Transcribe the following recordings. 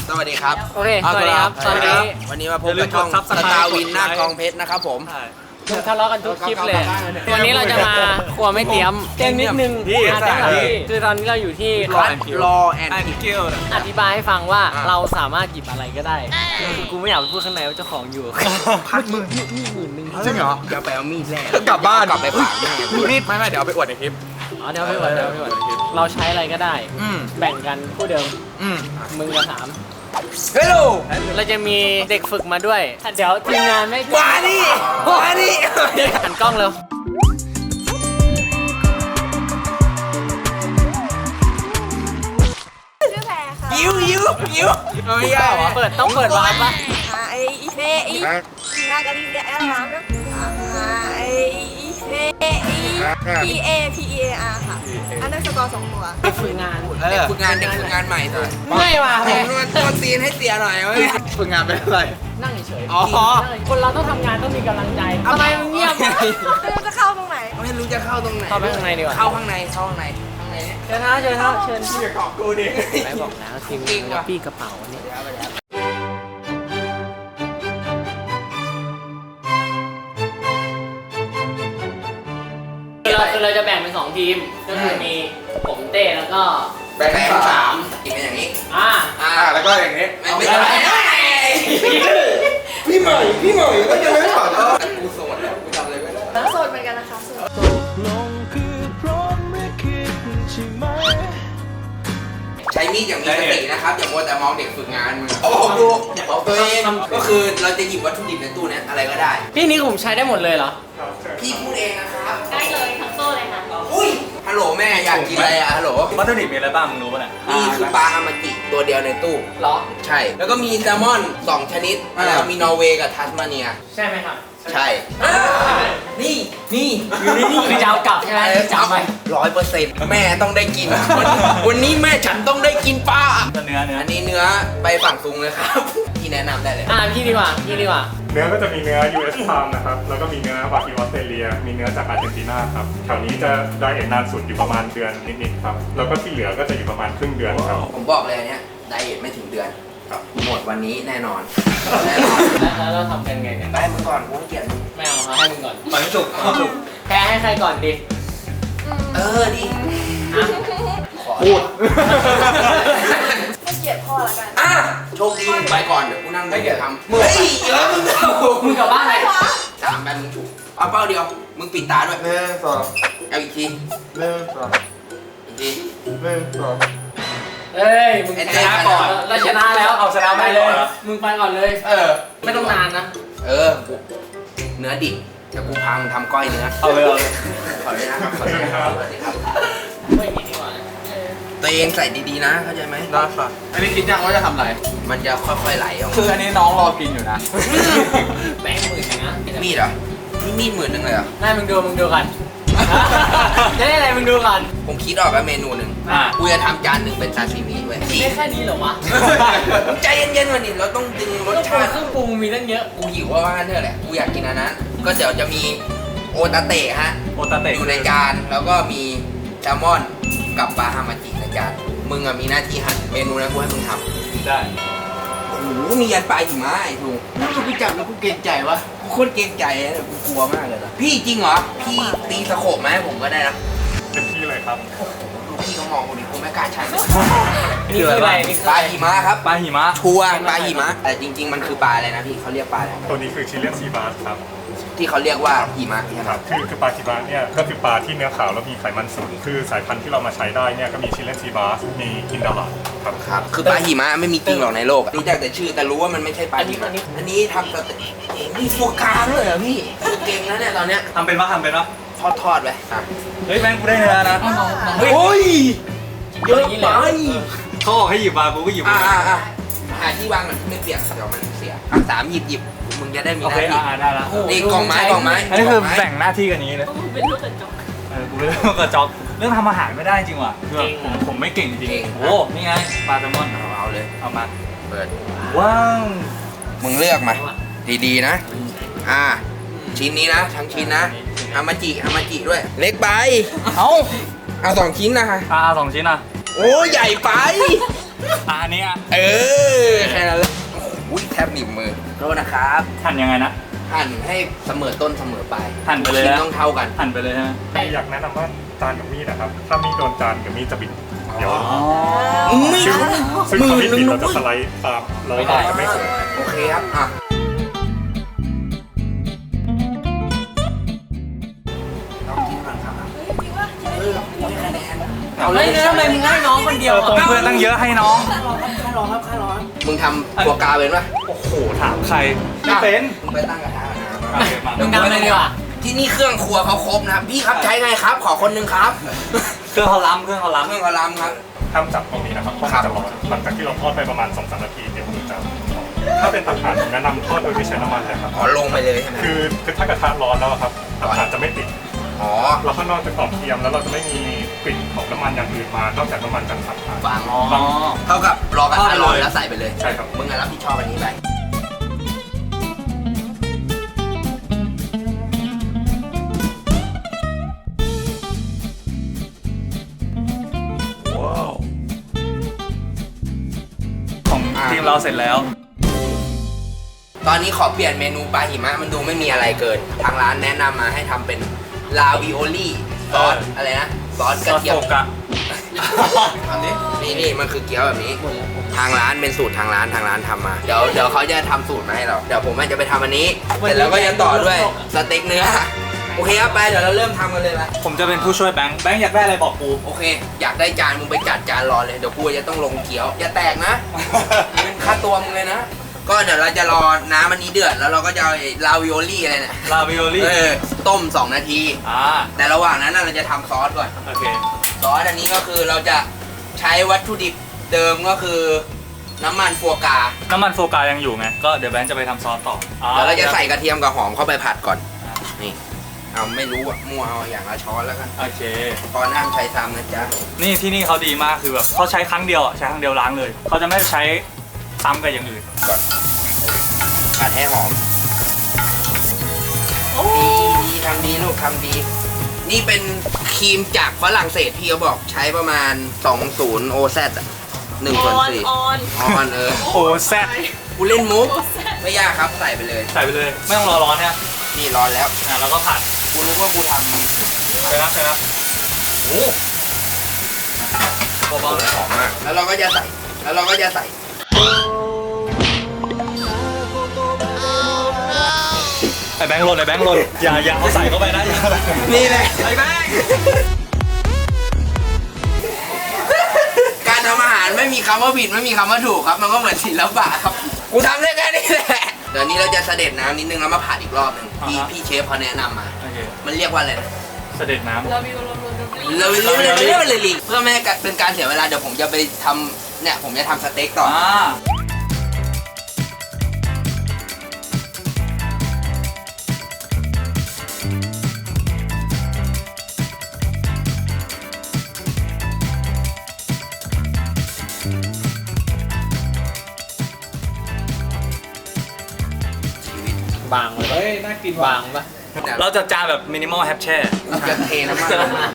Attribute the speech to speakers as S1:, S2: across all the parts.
S1: สวัสดีครับ
S2: โอเคสวัสดีครับตอนนี้
S1: วันนี้มาพบกับช่องสตาร์วินหน้ากองเพชรนะครับผม
S2: ทะเลาะกันทุกคลิปเลย วันนี้เราจะมาครัวไม่เตรียมเตรียมนิดนึงคือตอนนี้เราอยู่ที่ร้าน
S1: รอแอนด์กิล
S2: อธิบายให้ฟังว่าเราสามารถหยิบอะไรก็ได้คือกูไม่อยากพูดข้างในว่าเจ้าของอยู่
S1: พัดมือ
S2: นี่10,000
S1: จริงเหรอเดี๋ยวไปเอามีดแน่
S3: กลับบ้าน
S1: กลับไปฝากแม่
S3: มีดไม่เดี๋ยวเอาไปอวดในคลิป
S2: อ๋อเดี๋ยวไม่ไหวเราใช้อะไรก็ได้ แบ่งกันคู่เดิมมึงกับ3
S1: เฮ้ย
S2: เราจะมีเด็กฝึกมาด้วย เดี๋ยวทีมงานไม่
S1: มาดิ
S2: หันกล้องเร็ว
S4: ชื่อแพรค่ะ
S1: ยิ้วไม่ยากเหรอ
S2: ต้องเปิดวาร์ปปะ
S4: ไอเฟอีนากาลิเซียแอร์ร้านนะไอเฟอีPAR ค่ะ อันนั้นสกอร์2 ตัว
S2: เด็กฝึกงาน
S1: เด็กฝึกงานใหม่หน่อย
S2: ไม่ว่ะ
S1: ต้นตีนให้เสียหน่อยเว้ย
S3: ฝึกงานเป็นอะไร
S2: นั่งเฉย
S1: อ๋อ
S2: คนเราต้องทำงานต้องมีกำลังใจทำไมมึงเงียบ
S4: ไม่รู้จะเข้าตรงไหน
S1: ไม่รู้จะเข้าตรงไหน
S2: เข้าไปข้างในดีกว่า
S1: เข้าข้างในเนี่ย
S2: เชิญนะเชิญนะเชิญ
S3: พี่กับกูดิ
S2: ไหนบอกแล้วทีมงานกับพี่กระเป๋าเนี่ยคือเราจะแบ่งเป็น2 ทีมก็คือมีผมเต้แล้วก็
S1: แบ่งเป็น3อีกเป็นอย่างนี้
S3: แล้วก็อย่างนี้
S1: ไม่ใช่พี่ใหม่ก็ยังไม่ถอดกูโสดแล้วกูทำอะไรไม่ได้
S4: โสดเหมือนกันนะคะโสด
S1: ใช้มีดอย่างมีสตินะครับอย่ามัวแต่มองเด็กฝึกงานมึงโอ้ดูบอกตัวเองก็คือเราจะหยิบวัตถุดิบในตู้นี้อะไรก็ได้
S2: พี่นี่ผมใช้ได้หมดเลยเหรอ
S1: พี่พูดเองนะครับ
S4: ได้เลยทั้งโซ่เลยค่ะ
S1: อุ้ยฮัลโหลแม่อยากกินอะไรอะฮัลโหล
S3: วัตถุดิบมีอะไรบ้างมึงรู้ป่ะเนี่ย
S1: นี่คือปลาฮามาจิตัวเดียวในตู้
S2: เหรอ
S1: ใช่ แล้วก็มีแซลมอน2 ชนิดแล้วมีนอร์เวย์กับทัสมาเนีย
S2: ใช่ไหมครับ
S1: ใช่นี่
S2: อยู่นี่คือจะเอากลับใช่ไหมจะเอาไป
S1: 100%แม่ต้องได้กิน วันนี้แม่ฉันต้องได้กินปลา
S3: เนื้อ
S1: อันนี้เนื้อไปฝั่งซุงเลยครับ ที่แนะนำได้เลย
S2: พี่ดีกว่า
S5: เนื้อก็จะมีเนื้อ US Farm นะครับ แล้วก็มีเนื้อวากิวออสเตรเลีย มีเนื้อจากอาร์เจนตินาครับ แถวนี้จะไดเอทนานสุดอยู่ประมาณเดือนนิดๆครับ แล้วก็ที่เหลือก็จะอยู่ประมาณครึ่งเดือนครับ
S1: ผมบอกเลยอันเนี้ยไดเอทไม่ถึงเดือน
S5: ครับ
S1: หมดวันนี้แน่นอน
S2: แล้วเราทำกันไงเนี่ย
S1: ได้มึงก่อนกูให้เกียรติมึง
S2: ไม่เอาครับให้มึงก่อน
S3: มันสุก
S2: แพ้ให้ใครก่อนดี
S1: ดี
S3: พูด
S4: ให้เกียรติพ่อละกัน
S1: โชคดีมึงไปก่อนเดี๋ยวกูนั่งเดี๋ยวทำเฮ้ยเยอะมึงเอา
S2: มึงกลับบ้านไหน
S1: 3 แบนมึงถูกเอาเป้าเดียว มึงปิดตาด้วย
S3: 1 2
S1: เอาอีกที
S3: 1 2
S1: อีกที
S3: 1 2
S2: เอ้ยมึงชนะก่อนเราชนะแล้ว
S3: เอาชนะไปเลย
S2: มึงไปก่อนเลย ไม่ต้องนานนะ
S1: กูเนื้อดิบเดี๋ยวกูพังทำก้อยเนื้อ
S3: เอาเลย
S1: ขอเลยนะครับขอเลยนะครับ
S2: ไม่มีดีกว่า
S1: ตัวเองใส่ดีๆนะเข้าใจไหม
S3: ได้ค่ะอันนี้คิดยังว่าจะทำอะไร
S1: มันจะค่อยๆไหลออก
S3: คืออันนี้น้องรอกินอยู่นะ
S2: แบงค์หมื่นนะ
S1: มีดเหรอนี่มีด10,000เลยเหรอ
S2: ได้มึงดูกันจะได้อะไรมึงดูกัน
S1: ผมคิดออกแล้วเมนูหนึ่งกูจะทำจานหนึ่งเป็นซาชิมิด้วย
S2: ได้แค่นี้เหรอวะ
S1: มึงใจเย็นๆวันนี้เราต้องดึงรส
S2: ต้องปรุ
S1: ชาง ติ
S2: เครื่องปรุงมีตั้งเยอะ
S1: กูหิวว่างั้นเถอะแหละกูอยากกินอันนั้นก็เดี๋ยวจะมีโอตาเตะฮะ
S3: โอตาเตะ
S1: อยู่ในจานแล้วก็มีแซลมอนกับปลาฮามาจิในจานมึงอะมีหน้าที่หั่นเมนูนั้นกูให้มึงทำ
S3: ได้
S1: โอ้โหมียันปลาหิมะไอ้ทูกูจับแล้วกูเกรงใจวะกูโคตรเกรงใจเลยกูกลัวมากเลยนะพี่จริงเหรอพี่ตีสโคปมาให้ผมก็ได้นะ
S5: เป็นที่เลยครับ
S1: ดูพี่เขามองกูดิกูไม่กล้าใช้เลย
S2: นี่คืออะไรนี่คือ
S1: ปลาหิมะครับ
S3: ปลาหิมะ
S1: ชัวร์ปลาหิมะแต่จริง ๆ มันคือปลาอะไรนะพี่เขาเรียกปลาอะไร
S5: ตัวนี้คือชิเลียนซีบาสครับ
S1: ที่เขาเรียกว่าหิมะใช่ไหม
S5: ครับคือปลาชิบาสเนี่ยก็คือปลาที่เนื้อขาวแล้วมีไขมันสูง คือสายพันธุ์ที่เรามาใช้ได้เนี่ยก็มีชิเลียนซีบาส มีอินดาลาครับ
S1: ครับคือปลาหิมะไม่มีจริงหรอกในโลกอะรู้จักแต่ชื่อแต่รู้ว่ามันไม่ใช่ปลาหิมะอันนี้ทำสเต็กมีฟัวกราด้วยเหรอพี่เก่งแล้วเนี่ยตอนเนี้ย
S3: ทำเป็นปะทำเป็นปะ
S1: ทอดไปอ่ะ
S3: เฮ้ยแม่งกูได้เนื้อนะ
S1: โอ้ย
S2: เยอะอย่างนี้เลย
S3: เขาบอกให้หยิบมากูก็หยิบ
S1: อ่า
S3: มา
S1: หาที่วางหน่อยไม่เปียกเดี๋ยวมันเสียสามหยิบมึงจะได้มี
S3: โอ
S1: ห
S3: เค
S1: น้าที่
S3: ได้ละ
S1: นี่กล่องไม้
S3: อันนี้คือแบ่งหน้าที่กันอย่างนี้เลย
S4: เป็นลูกกระจก
S3: กูเป็นลูกกระจอกเรื่องทำอาหารไม่ได้จริงว่ะคือแบบผมไม่เก่งจริงโอ้นี่ไงปลาแซลมอน
S1: เอาเลย
S3: เอามา
S1: เปิด
S3: ว้าว
S1: มึงเลือกมาดีๆนะชิ้นนี้นะทั้งชิ้นนะฮามาจิด้วย เล็กไป
S3: เอา
S1: เอา2 ชิ้นนะฮะ
S3: ปลา2 ชิ้นอ่ะ
S1: โอ้ใหญ่ไป
S3: อันนี้อ่ะ
S1: แค่นั้นเลยโอ้โหแทบหนีบมือโทษนะครับ
S3: หั่นยังไงนะ
S1: หั่นให้เสมอต้นเสมอปลาย
S3: หั่นไปเลย
S1: ชิ้
S3: นะ
S1: นต้องเท่ากัน
S3: หั่นไปเลยใช่ไหม
S5: อยากแนะนำว่าจานกับมีดนะครับ ถ้ามีดโดนจานกับมีดจะบิดเดี๋ยว
S1: ไม่
S5: ซึ่ง
S1: ทัน
S5: ซึ่ง
S1: มื
S5: ถ้า
S1: อ
S5: มีด
S1: นึ
S5: บิ
S1: ง
S5: ด
S1: นะ
S5: เราจะ
S1: เว้ย
S5: สไลด์ตามแล้วก็จะไม่สวย
S1: โอเคครับอ่ะลองกินก่อนครับให้คะแนน
S2: เอาเลยทำไมมึงให้น้องคนเดียว
S3: ตรงเพื่อนตั้งเยอะให้น้อง
S1: มึงทำตัวกาเป็นปะ
S3: โอ้โห ถามใครไม่เป็น
S1: มึงไปตั้งกระทะนะ
S3: โอเคมา
S2: มึงทำอะไรดีกว่า
S1: ที่นี่เครื่องครัวเขาครบนะครับพี่ครับใช้ไงครับ ขอคนหนึงครับ
S3: เครื่องเขาล้ำเครื่องเขา
S1: เครื่อ
S3: ล้ำ
S1: งกระลำครับ
S5: ห้ามจับตรงนี้นะครับเพราะ
S1: ครั
S5: มัน
S1: บ
S5: จะร้อนหลังจากที่เราทอดไปประมาณ 2-3 นาทีเดี๋ยวมันจะถ้าเป็นตับถ่านแนะนำทอดโดยไม่ใช้น้ำมันเลยครับ
S1: อ๋อลงไปเลยใช่ไหม
S5: คือถ้ากระทะร้อนแล้วอะครับตับถ่านจะไม่ติด
S1: อ๋อ
S5: เราข้างนอกจะกรอบเทียมแล้วเราจะไม่มีกลิ่นของน้ำมันอย่างอื่นมานอกจากน้ำมันจากตับถ่าน
S1: บาง
S3: อ๋อ
S1: เท่ากับรอกระทะร้อนแล้วใส่ไปเลย
S5: ใช่ครับ
S1: มึงอะรับผิดชอบอันนี้ไป
S3: ของทีมเราเสร็จแล้ว
S1: ตอนนี้ขอเปลี่ยนเมนูปลาหิมะมันดูไม่มีอะไรเกิน ทางร้านแนะนำมาให้ทำเป็นลาวิโอลี่ซอสอะไรนะซอสกระเทียม
S3: ซอสโฟกะ
S1: อันนี้นี่มันคือเกี๊ยวแบบนี้ ทางร้านเป็นสูตรทางร้านทำมา เดี๋ยวเขาจะทำสูตรมาให้เรา เดี๋ยวผมจะไปทำอันนี้ เสร็จแล้วก็จะต่อด้วยสเต็กเนื้อ โอเคครับไปเดี๋ยวเราเริ่มทำกันเลยละ
S3: ผมจะเป็นผู้ช่วยแบงค์อยากได้อะไรบอกกู
S1: โอเค อยากได้จานมึงไปจัดจานรอเลย เดี๋ยวกูจะต้องลงเกี๊ยว อย่าแตกนะเป็นค่าตัวมึงเลยนะ ก็เดี๋ยวเราจะรอน้ำอันนี้เดือด แล้วเราก็จะเอาไอ้ลาวิโอลี่อะไรเนี่ย
S3: ลาวิโอลี่
S1: ต้ม 2 นาที แต่ระหว่างนั้นเราจะทำซอสก่อน
S3: โอเค
S1: ซอสอันนี้ก็คือเราจะใช้วัตถุดิบเดิมก็คือน้ำมันฟัวกรา
S3: น้ำมันโฟกายังอยู่ไง ก็เดี๋ยวแบงค์จะไปทำซอสต่อ
S1: เดี๋ยวเราจะใส่กระเทียมกับหอมเข้าไปผัดก่อน นี่เอาไม่รู้อะมั่วเอาอย่างละช้อนแล้วกัน
S3: โอเค
S1: พอน้ำใช้ซ้ำนะจ๊ะ
S3: นี่ที่นี่เขาดีมากคือแบบเขาใช้ครั้งเดียวอ่ะใช้ครั้งเดียวล้างเลย เขาจะไม่ใช้ซ้ำกับอย่างอื่น
S1: ก่อนผัดให้หอมดีทำดีลูกทำดี นี่เป็นครีมจากฝรั่งเศสพี่เขาบอกใช้ประมาณ 20 OZ อ่ะ1/4
S4: ออน
S1: ออน
S3: โอ้แซ่บ
S1: กูเล่นมุกไม่ยากครับใส่ไปเลย
S3: ใส่ไปเลย ไม่ต้องรอร้อนเนี่ย
S1: นี่ร้อนแล้ว
S3: แล้วก็ผัด
S1: กูรู้ว่ากูท
S3: ใช่ครับใช่ครับโอ้
S1: ำ
S3: เบาๆเลย
S1: หอมมาก แล้วเราก็จะใส่
S3: ไอ้แบงค์หล่นไอ้แบงค์หล่นอย่าเอาใส่เข้าไปนะอย่า
S1: นี่แหละ
S3: ไอ้แบงค์
S1: การทำอาหารไม่มีคำว่าผิดไม่มีคำว่าถูกครับ มันก็เหมือนศิลปะครับ กูทำได้แค่นี้แหละ เดี๋ยวนี้เราจะเสด็จน้ำนิดนึงแล้วมาผัดอีกรอบหนึงพี่เชฟเขาแนะนำมา
S3: โอเค
S1: มันเรียกว่าอะไรนะ
S3: เสด็จน้ำ
S4: เรามีเราเรี
S1: เราเรียกว่าเลยลิงเพื่อไม่ให้เป็นการเสียเวลาเดี๋ยวผมจะไปทำเนี่ยผมจะทำสเต็กต่อ
S2: บางเลยเฮ้ย น่ากินบางปะ
S3: เราจัดจานแบบมินิมอลแฮปแช่
S1: จะเทน้ำมันลงมา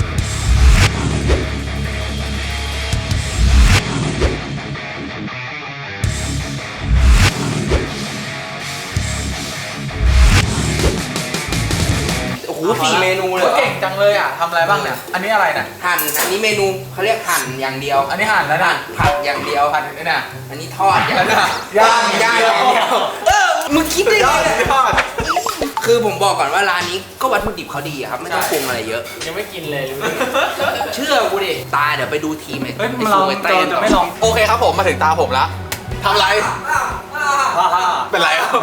S1: โอ้โห4 เมนูเลย
S6: เก่งจังเลยอ่ะทำอะไรบ้างเนี่ย อันนี้อะไรเนี่ย
S1: หั่นอันนี้เมนูเขาเรียกหั่นอย่างเดียว
S6: อันนี้หั่นแล้วนะ
S1: ผัดอย่างเดียว
S6: ผัดนี่นะ
S1: อันนี้ทอดอย่างเดียว
S6: ย่าง
S1: ย่างอย่างเดียวมึงคิดได้
S6: ยอ
S1: ไง
S6: ดยอด
S1: คือผมบอกก่อนว่าร้านนี้ก็วัตถุดิบเขาดีอะครับไม่ต้องปรุงอะไรเยอะ
S2: ยังไม่กินเลยรู้
S1: เชื่อกูดิตาเดี๋ยวไปดูทีมไอ้
S3: เฮ้ย
S1: ไอ้
S3: เรา
S1: ซูไอ้เต้น
S3: จะไม่ลอง
S6: โอเคครับผมมาถึงตาผมละทำไร เป็นไรอ่ะ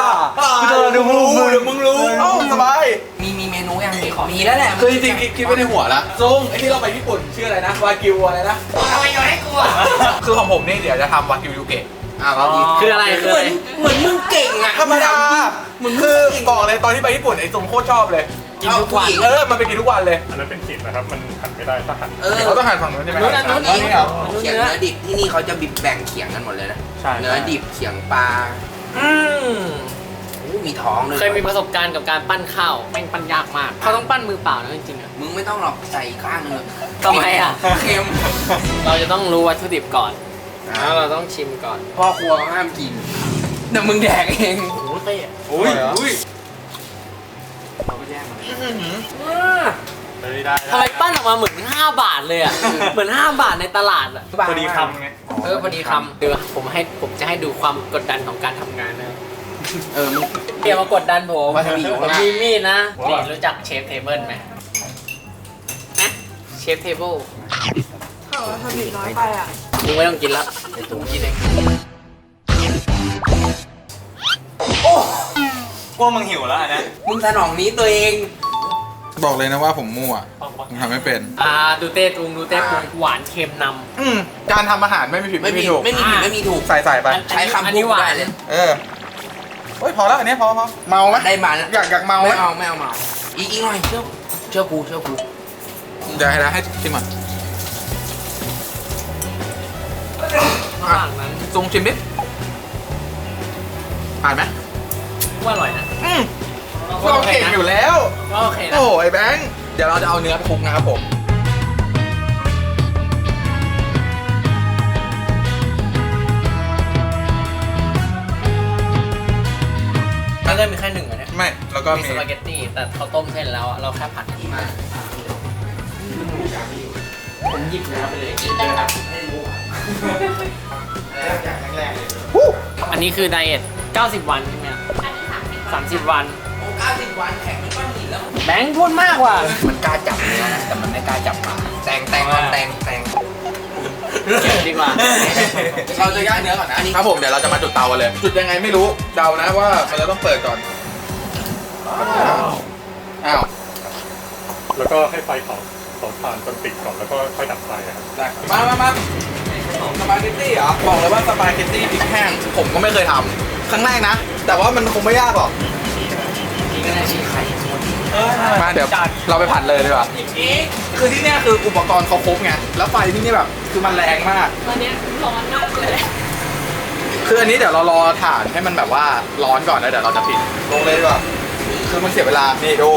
S6: มึงรู้เอ้าสบาย
S1: มีเมนูยังมีแล้วแหละ
S6: คือจริงๆคิดไว้ในหัวละซุงไอที่เราไปญี่ปุ่นชื่ออะไรนะวากิวอะไรนะ
S1: ทำไมโยนให้กูอะ
S6: คือของผมนี่เดี๋ยวจะทำวากิวยูเกะ
S1: เราดี
S2: คืออะไรคือ
S1: เห
S2: อะ
S1: มื
S2: ไร
S1: อนมึงเก่งอะ
S6: ธรรมดาคือบอกเลยตอนที่ไปญี่ปุ่นไอ้ซุงโคตรชอบเลย
S1: กินทุกวัน
S6: มันไปกินทุกวันเลย
S5: อันนั้นเป็นขีดนะครับ มันหั่นไม่ได้ถ้าหั่น
S6: เขาต้องหั่นฝั่งนู้นใช่ไหม
S1: อันนี้
S6: นี่เหรอ
S1: เขียงเนื้อดิบที่นี่เขาจะบิบแบ่งเขียงกันหมดเลยนะ
S3: ใช่
S1: เนื้อดิบเขียงปลาโอ้มีท้องด้วย
S2: เคยมีประสบการณ์กับการปั้นข้าวแม่งปั้นยากมาก เขาต้องปั้นมือเปล่านะจริงๆอะ
S1: มึงไม่ต้องหรอกใส่อีกข้างหนึง
S2: ทำไมอะ
S1: เค็ม
S2: เราจะต้องรู้วัตถุดิบก่อนแล้วเราต้องชิมก่อน
S1: พ่อครัวเขาห้ามกินเดี๋ยวมึงแดกเอง
S2: โอ้โหเต้
S3: อุ้ยอุ้ย
S2: ทำไมปั้นออกมาเหมือน5 บาทเลยอ่ะ เหมือน5 บาทในตลาดอ่ะ
S3: พอดีคำไง
S2: พอดีคำเดี๋ยวผมจะให้ดูความกดดันของการทำงานนะ
S1: มึง
S2: เดี๋ยวมากดดันผม
S1: วาซาบิอยู่
S2: ผม
S1: ข้างหน้า
S2: มีมีดนะนี่รู้จักเชฟเทเบิลไหมนะเชฟเทเบิล
S4: ทำผิดน้อยไปอ่ะ
S2: มึงไม่ต้องกินแล้วเดี๋ยวตุ้งกินเอง
S3: กลัวมึงหิวแล้วอันนะ
S1: มึงสนองนี้ตัวเอง
S6: บอกเลยนะว่าผมมั่วผมทำไม่เป็น
S2: ดูเต้ปรุงหวานเค็มน
S6: การทำอาหารไม่มีผิด
S1: ไม่
S6: ไม่
S1: มี
S6: มีถูก
S1: ไม่มีผิดไม่มีถูก
S6: ใส่ไป
S2: ำ
S1: ใช้คำ
S2: อัน
S1: พู
S2: นี้
S1: ด
S2: หวา
S1: ได้
S2: น
S1: เลย
S6: เออโอ้ยพอแล้วอันนี้พอเมาไหม
S1: ได้มาแล้ว
S6: อยากเมาไหม
S1: ไม่เอาไม่เอาเมาอีกหน่อยเชื่อกู
S6: เดี๋ยวให้ชิมก่อน
S2: ระหว่างนั้น
S6: ทรงชิมดิผ่านไหม
S2: ว่าอร่อยนะ
S6: เราเก่งอยู่แล้ว
S2: ก็โอเคนะ
S6: โอ้ยแบงค์เดี๋ยวเราจะเอาเนื้อไปคลุกนะครับผม
S2: แล้วก็มีแค่หนึ่งอันเนี้ย
S6: ไม่แล้วก็
S2: มี
S6: มี
S2: สปาเกตตี้แต่เขาต้มเส้นแล้วอะเราแค่ผัดมาผมหยิบเนื้อไปเลยอันนี้คือไดเอท90 วันใช่ไหม30 วัน
S1: โอ้90 วันแข็งเป็นก้อนหินแล้ว
S2: แบงค์พูดมากว่ะ
S1: มันกล้าจับเนื้อนะแต่มันไม่กล้าจับปลาแตง
S2: เก็บดีกว่า
S6: เราจะย่างเนื้อก่อนนะครับผมเดี๋ยวเราจะมาจุดเตากันเลย จุดยังไงไม่รู้เดานะว่ามันจะต้องเปิดก่อนอ้าว
S5: แล้วก็ให้ไฟเผาถ่านจนติดก่อนแล้วก็ค่อยดับไฟครับ
S6: ได้มาสปาเกตตี้เหรอบอกเลยว่าสปาเกตตี้พริกแห้งผมก็ไม่เคยทำครั้งแรกนะ แต่ว่ามันคงไม่ยากหรอก
S2: นี่ก็ได้ชีไข่
S6: มาเดี๋ยวเราไปผัดเลยดีกว่าคือที่เนี่ยคืออุปกรณ์เขาครบไงแล้วไฟที่นี่แบบคือมันแรงมาก
S4: ตอนนี้ร้อนมากเลย
S6: คืออันนี้เดี๋ยวเรารอถ่านให้มันแบบว่าร้อนก่อนแล้วเดี๋ยวเราจะปิดลงเลยดีกว่าคือมันเสียเวลานี่ดู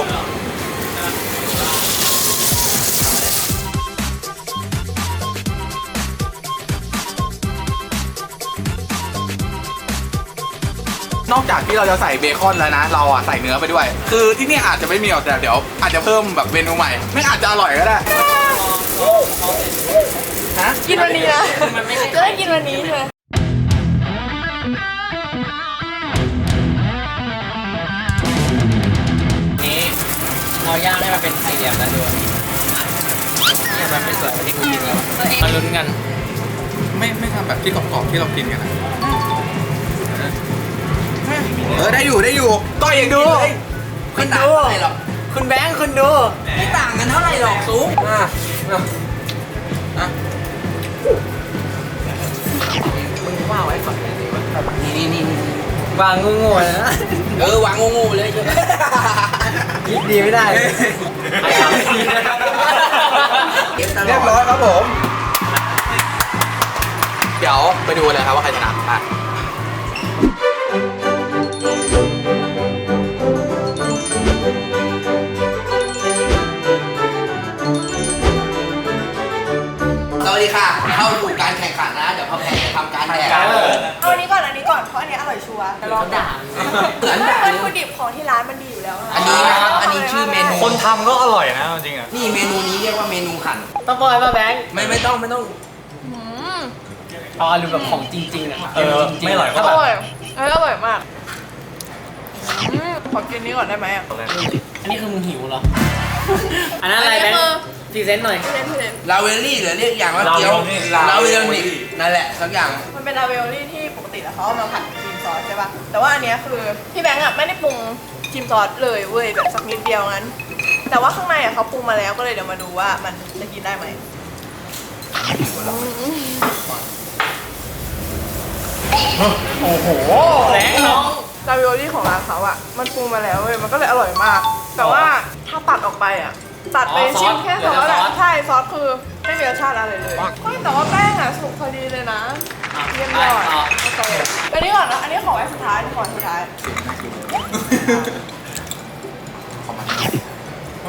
S6: นอกจากที่เราจะใส่เบคอนแล้วนะ เราอ่ะใส่เนื้อไปด้วย คือที่นี่อาจจะไม่มีหรอกแต่เดี๋ยวอาจจะเพิ่มแบบเมนูใหม่ไม่อาจจะอร่อยก็ได้ฮะ
S4: กินวันนี้นะ
S2: มันไม่ใช่
S4: จะได้กินวันนี้ใช่ไหม
S2: นี้เราย่างให้มันเป็นสี่เหลี่ยมแล้วดูเนี่ยมันไม่สวยเหมือนที่กูกินแล้วมาลุ้นกัน
S6: ไม่ทำแบบที่กรอบๆที่เรากินกันนะได้อยู่ต่อยอย่างดู
S1: ไม่ต่างเท่าไหร่หรอก
S2: คุณแบงค์คุณดู
S1: ไม่ต่างกันเท่าไหร่หรอกซุป
S2: มึงว่าไว้ก่อนเลยดีกว่า
S1: นี่
S2: วางงูๆนะ
S1: วางงูๆเลยเชียว
S2: คิดดีไม่ได้ใครทำ
S1: เก็บตล
S6: เรียบ
S1: อ
S6: ร้อ
S1: ด
S6: ยครับผม เดี๋ยวไปดูเลยครับว่าใครชนะอ่ะ
S1: สวัสดีค่ะ เข้าสู่การแข่งขันนะ เดี๋ยวพ่อแพงจะทำการแดก
S4: เอาอันนี้ก่อนเพราะอันนี้อร่อยชัวร์แต่ลอง
S2: ด่า
S1: เหมือน
S4: ไม่
S1: แบบ
S4: วัตถุดิบของที่ร้านมันดีอยู่แล้ว
S1: อันนี้นะครับอันนี้ชื่อเมนู
S3: คนทำก็อร่อยนะจริงๆอ่ะ
S1: นี่เมนูนี้เรียกว่าเมนูขัน
S2: ต้องปล่อยป่ะแบงค์
S1: ไม่ต้อง
S2: เอาอารมณ์แบบของจริงๆอ่ะ
S3: ไม่อร่อย
S2: ถ้า
S3: ก็
S2: แบ
S3: แบบ บ
S4: อร่อยมากขอกินนี้ก่อนได้ไหมอ่ะ
S2: อันนี้คือมึงหิวเหรอ อันนั้นอะไรแบงค์พรีเซนต์หน่อย
S1: ลาเวลลี่หรือเรียกอย่างว่าเกี๊ยวลาเวลลี่นั่นแหละสักอย่าง
S4: มันเป็นลาเวลลี่ที่ปกติแล้วเขาเอามาผัดครีมซอสใช่ป่ะแต่ว่าอันเนี้ยคือพี่แบงค์อ่ะไม่ได้ปรุงครีมซอสเลยเว้ยแบบสักนิดเดียวงั้น แต่ว่าข้างในอ่ะเขาปรุงมาแล้วก็เลยเดี๋ยวมาดูว่ามันจะกินได้ไหม
S2: โอ้โหแบงค์น้อง
S4: ลาวิโอลี่ของร้านเขาอะมันปรุงมาแล้วเว้ยมันก็เลยอร่อยมาก แต่ว่าถ้าตัดออกไปอะตัดไปชิมแค่ซอสอะใช่ซอสคือไม่มีรสชาติอะไรเลยเฮ้ยแต่ว่าแป้งอะสุกพอดีเลยนะเยี่ยมยอดโอเคอันนี้ก่อนนะอันนี้ขอไว้สุดท้ายขอสุดท้าย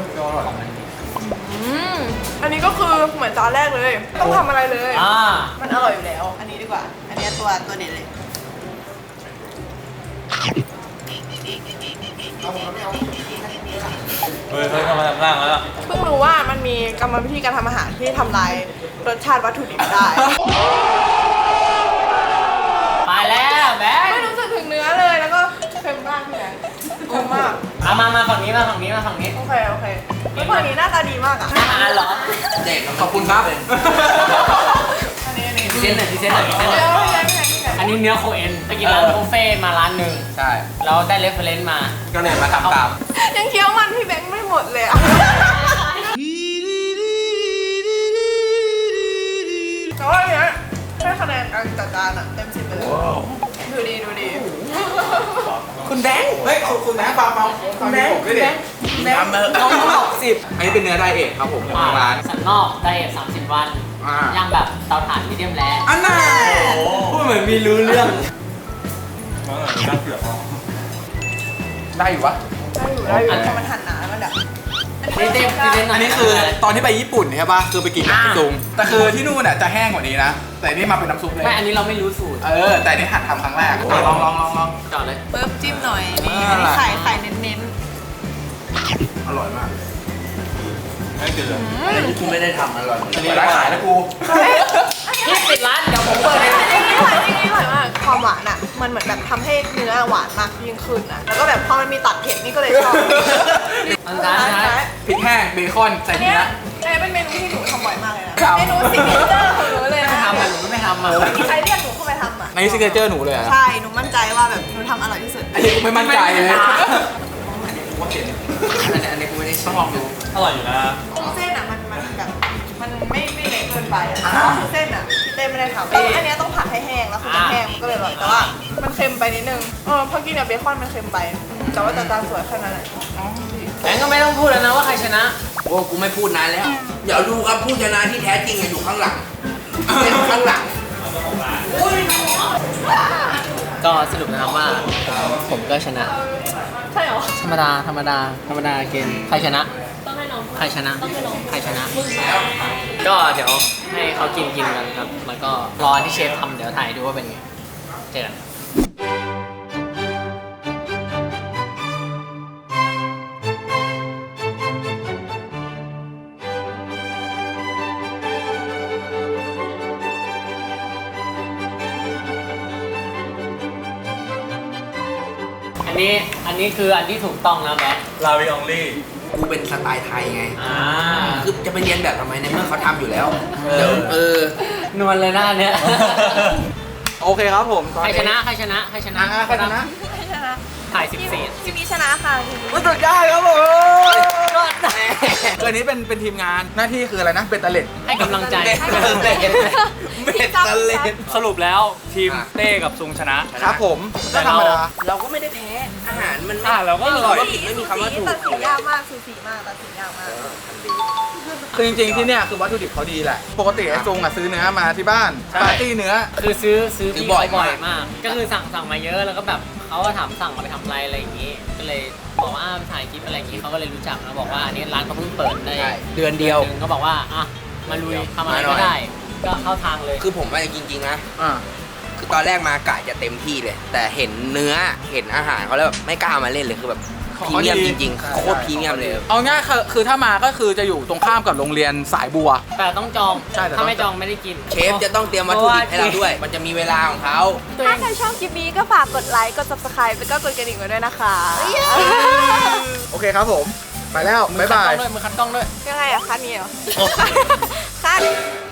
S4: อันนี้ก็คือเหมือนจานแรกเลยต้องทำอะไรเลย มันอร่อยอยู่แล้ว อันนี้ดีกว่า อันนี้ตัวเด็ดเลย
S3: เฮ้ยเข้ามาทำร่างแล้ว
S4: เพิ่งรู้ว่ามันมีกรรมวิธีการทำอาหารที่ทำลายรสชาติวัตถุดิบได้
S2: ไปแล้วแบง
S4: ไม่
S2: ค์
S4: รู้สึกถึงเนื้อเลยแล้วก็เค็มมากพี่แบงค์เค็มมาก
S2: มาฝั่งนี้มาฝั่งนี้มาฝั่งนี้
S4: โอเคแล้วฝั่งนี้หน้าตาดีมากอ่ะ
S2: อาหารเหรอ
S1: เด็กขอบคุณครับ
S4: อันนี้
S2: พิเศษหน่อยพิเศษหน่อยพิเศษหน่อย
S4: เดี๋ยวพี่แบงค์พี่แบงค์
S2: อันนี้เนื้อโคเอ็นไปกินร้านบุฟเฟ่ต์มาร้านหนึ่ง
S1: ใช่
S2: เราได้เรฟเฟรนซ์มา
S1: ก็เลยมาทำตาม
S4: ยังเคี้ยวมันพี่แบงค์ไม่หมดเลยอ่ะแต่ว่าอันเนี้ยให้คะแนนการจัดจานอ่ะเต็ม10ไปเลยดูดี
S1: คุณแบงค์
S6: เฮ้ยคุณแม่ฟังคุณแม่ผมด้วยดิ
S1: ทำมา
S2: ต้องบอก10
S6: อันนี้เป็นเนื้อไดเอทครับผมของร้าน
S2: สันนอกได้30 วัน ย่างแบบเตาถ่านมีเดียมแรร์
S6: อันน่ะ
S2: พูดเหมือนมีรู้เรื่อง
S3: น่าเกลียดมาก
S6: ได้อยู่วะ
S4: ได้อยู่แต่มันหั่นหนาแล้วมันแบบ
S2: พิเศษพิเศษหน่อย
S6: อันนี้คือตอนที่ไปญี่ปุ่นใช่ป่ะคือไปกินกับพี่ซุงแต่คือที่นู่นน่ะจะแห้งกว่านี้นะ แต่นี่มาเป็นน้ำซุปเลย
S2: ไม่อันนี้เราไม่รู้สูตร
S6: แต่นี่หัดทำครั้งแรกลอง
S2: จอดเลย
S4: ปึ๊บจิ้มหน่อยนี่อันนี้ไข่เน้น
S6: อร่อยมาก
S3: ไม่เกลียดเลย
S1: อะไรที่คุณไม่ได้ทำอร่อย
S6: อันนี้ร้านขายนะกู
S2: นี่ปิดร้านเดี๋ยวผมเปิดเลย
S4: ๆอันนี้อร่อยมากความหวานอ่ะมันเหมือนแบบทำให้เนื้อหวานมากยิ่งขึ้นอ่ะแล้วก็แบบพอมันมีตัดเผ็ดนี่ก็เลยชอบ
S2: อันนั้นนะ
S6: พริกแห้งเบคอนใส่
S4: อัน
S6: เนื้
S4: เนี้
S6: อย
S4: เป็นเมนูที่หนูทำบ่อยมากเลยนะเมนูซิกเนเจอร์ของหนูเลยนะ
S2: ไม่ทำอ่ะหนูก็ไม่ทำอ่ะ
S4: มีใครเรียกหนูเข้าไปทำอ่ะ
S6: ในซิกเนเจอร์หนูเลยอะ
S4: ใช่หนูมั่นใจว่าแบบหนูทำอร่อยที่สุด
S6: อันนี้กูไม่มั่นใจเลย
S1: อันนี้กูไม่ได้
S6: ต้องลองดู
S3: อร่อยอยู่นะ
S4: กุ้งเส้นอ่ะมันแบบมันไม่เละเกินไปอ่ะเพราะว่าคือเส้นอ่ะพี่เต้ไม่ได้ทำอันเนี้ยต้องผัดให้แห้งแล้วคือมันแห้งมันก็เลยอร่อยแต่ว่ามันเค็มไปนิดนึงพอกินกับเบคอนมันเค็มไปแต่ว่าจานสวยแค่นั้นแหละ
S2: แบงก์ก็ไม่ต้องพูดแล้วนะว่าใครชนะ
S1: โอ้กูไม่พูดนานแล้ว เดี๋ยวดูครับผู้ชนะที่แท้จริงอยู่ข้างหลังเป็นข้างหลัง
S2: ก็สรุปนะครับว่าผมก็ชนะ
S4: ใช่เหรอ
S2: ธรรมดาเกมใครชนะใครชนะใครชนะ ก็เดี๋ยวให้เขากินกันครับ แล้วก็รอที่เชฟทำเดี๋ยวถ่ายดูว่าเป็นไงเจอกันอันนี้คืออันที่ถูกต้องนะแบ๊ก
S3: ลาวิอองลี่
S1: กูเป็นสไตล์ไทยไง
S2: อ่า
S1: คือจะไปเรียนแบบทำไมในเมื่อเขาทำอยู่แล้ว เดี๋ยวน
S2: วลเลยหน้าเนี้ย
S6: โอเคครับผมตอน
S2: ใคร
S6: นี้
S2: ชนะใครชนะใครชนะ
S6: ใครชนะ
S4: ไม่ชนะ
S2: ถ่าย
S4: ทีมีชนะค่ะ
S6: มันสุดยอดครับผม
S2: 14ก็
S6: คืออันนี้เป็นทีมงานหน้าที่คืออะไรนะเป็นตะเล็ด
S2: ให้กำลังใจ
S1: เบ็ดตะเล็ด
S3: สรุปแล้วทีมเต้กับซุงชนะ
S6: ครับผมก็ธรรมดา
S1: เราก็ไม่ได้แพ้ อาหารมันไม่
S3: เราก็อร่อย
S1: ไม่มีคำว่าถูก
S4: ตัดสินยากมากสูสีมากตัดสินยากมาก
S6: คือจริงๆที่เนี่ยคือวัตถุดิบเขาดีแหละ ปกติไอ้ซุงอ่ะซื้อเนื้อมาที่บ้าน
S3: ใช่
S6: ปาร์ตี้เนื้อ
S2: คือซื้อพี่
S1: บ่
S2: บ่
S1: อ
S2: อย ย
S1: มาก
S2: มาก ก็คือสั่งมาเยอะแล้วก็แบบเขาก็ถามสั่งมาไปทำอะไรอะไรอย่างนี้ ก็เลยบอกว่ามาถ่ายคลิปอะไรอย่างนี้เขาก็เลยรู้จักแล้วบอกว่าอันนี้ร้านเขาเพิ่งเปิดได้
S1: ใช่เดือนเดียว
S2: นึงก็บอกว่าอ่ะมาลุยทำอะไร
S1: มาหน่
S2: ก็
S1: อย
S2: ได้ ก็เข้าทางเลย
S1: คือผมว่าจริงๆนะ
S6: อ่า
S1: คือตอนแรกมากะจะเต็มที่เลย แต่เห็นเนื้อเห็นอาหารเขาแล้วแบบไม่กล้ามาเล่นเลยคือแบบพรีเมียมจริงๆโคตรพรีเมียมเลย
S6: เอาง่ายคือถ้ามาก็คือจะอยู่ตรงข้ามกับโรงเรียนสายบัว
S2: แต่ต้องจอง
S6: ใช่แต่ต้อง
S2: ถ้าไม่จองไม่ได้กิน
S1: เชฟจะต้องเตรียมวัตถุดิบให้เราด้วย มันจะมีเวลาของเขา
S4: ถ้าใครชอบคลิปนี้ก็ฝากกดไลค์ กด subscribe แล้วก็กดกระดิ่งไว้ด้วยนะคะ
S6: โอเคครับผม ไปแล้ว บ๊ายบาย
S2: มือคัดกล้องด้วย
S4: ยังไงอะคัดนี้เหรอ คัด